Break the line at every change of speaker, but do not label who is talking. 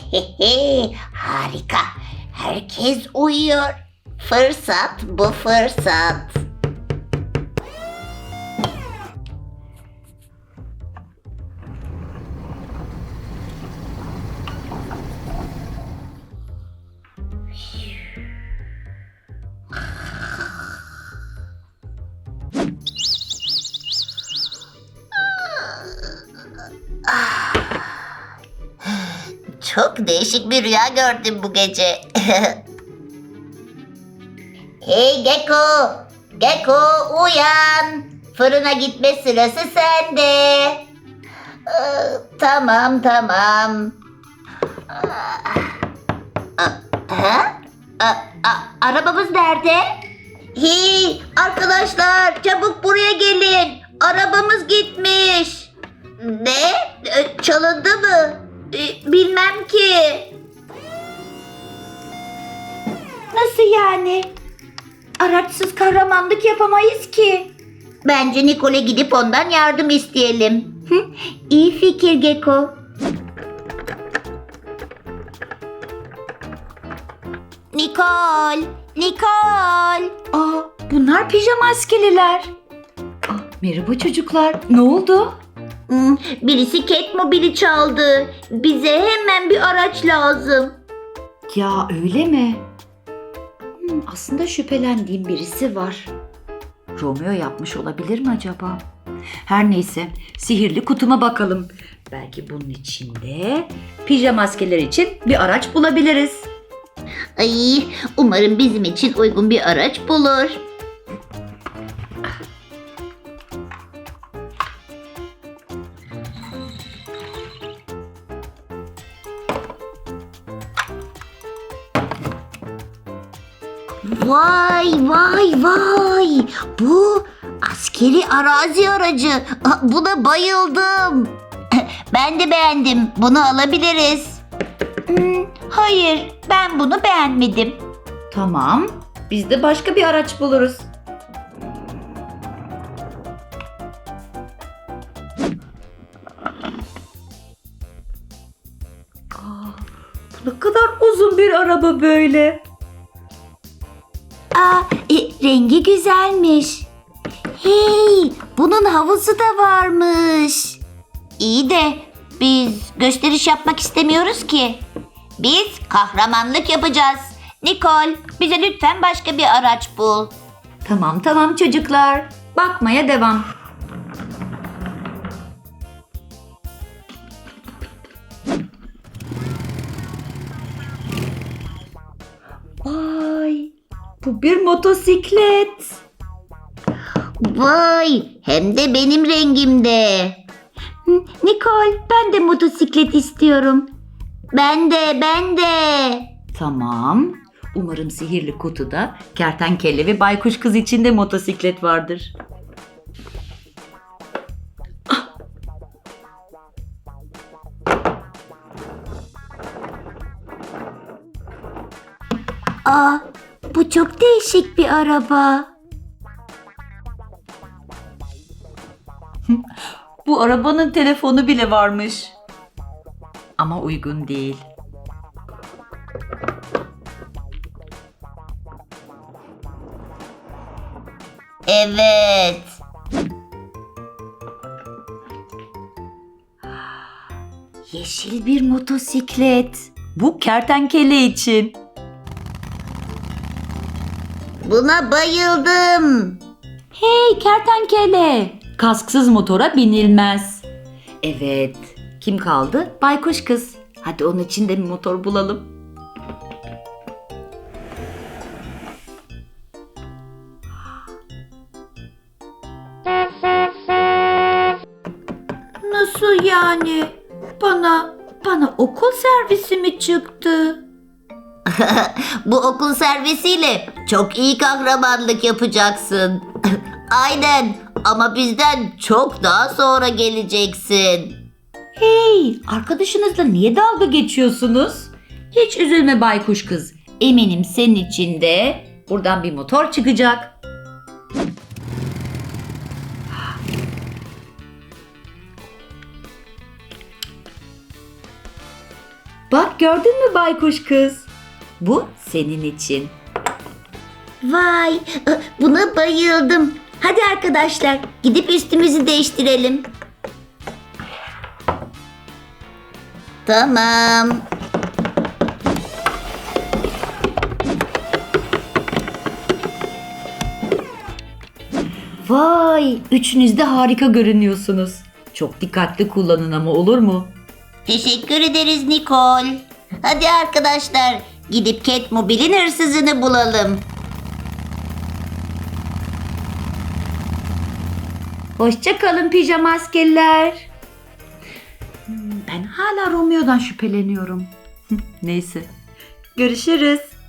Harika. Herkes uyuyor. Fırsat bu fırsat. Çok değişik bir rüya gördüm bu gece. Hey Gecko! Gecko uyan! Fırına gitme sırası sende. Tamam. Arabamız nerede? Hey arkadaşlar çabuk buraya gelin. Arabamız gitmiş. Ne? Çalındı mı? Bilmem ki.
Nasıl yani? Araçsız kahramanlık yapamayız ki.
Bence Nicole'e gidip ondan yardım isteyelim.
İyi fikir Gecko.
Nicole!
Bunlar pijama askeriler. Merhaba çocuklar. Ne oldu?
Birisi Catmobile'i çaldı. Bize hemen bir araç lazım.
Ya öyle mi? Aslında şüphelendiğim birisi var. Romeo yapmış olabilir mi acaba? Her neyse, sihirli kutuma bakalım. Belki bunun içinde pijama maskeler için bir araç bulabiliriz.
Ay, umarım bizim için uygun bir araç bulur. Vay! Bu askeri arazi aracı. Buna bayıldım. Ben de beğendim. Bunu alabiliriz. Hayır, ben bunu beğenmedim.
Tamam, biz de başka bir araç buluruz. Bu ne kadar uzun bir araba böyle.
Rengi güzelmiş. Hey, bunun havuzu da varmış. İyi de biz gösteriş yapmak istemiyoruz ki. Biz kahramanlık yapacağız. Nicole, bize lütfen başka bir araç bul.
Tamam çocuklar. Bakmaya devam. Vay, bu bir motosiklet.
Vay, hem de benim rengimde.
Nicole, ben de motosiklet istiyorum.
Ben de.
Tamam. Umarım sihirli kutuda kertenkele ve baykuş kız için de motosiklet vardır.
Bu çok değişik bir araba.
Bu arabanın telefonu bile varmış. Ama uygun değil.
Evet.
Yeşil bir motosiklet. Bu kertenkele için.
Buna bayıldım.
Hey kertenkele. Kasksız motora binilmez. Evet. Kim kaldı? Baykuş kız. Hadi onun için de bir motor bulalım. Nasıl yani? Bana okul servisi mi çıktı?
Bu okul servisiyle çok iyi kahramanlık yapacaksın. Aynen, ama bizden çok daha sonra geleceksin.
Hey, arkadaşınızla niye dalga geçiyorsunuz? Hiç üzülme baykuş kız. Eminim senin için de buradan bir motor çıkacak. Bak gördün mü baykuş kız? Bu senin için.
Vay, buna bayıldım. Hadi arkadaşlar, gidip üstümüzü değiştirelim. Tamam.
Vay, üçünüz de harika görünüyorsunuz. Çok dikkatli kullanın ama olur mu?
Teşekkür ederiz Nicole. Hadi arkadaşlar, gidip Catmobile'in hırsızını bulalım.
Hoşça kalın pijama askerler. Ben hala Romeo'dan şüpheleniyorum. Neyse. Görüşürüz.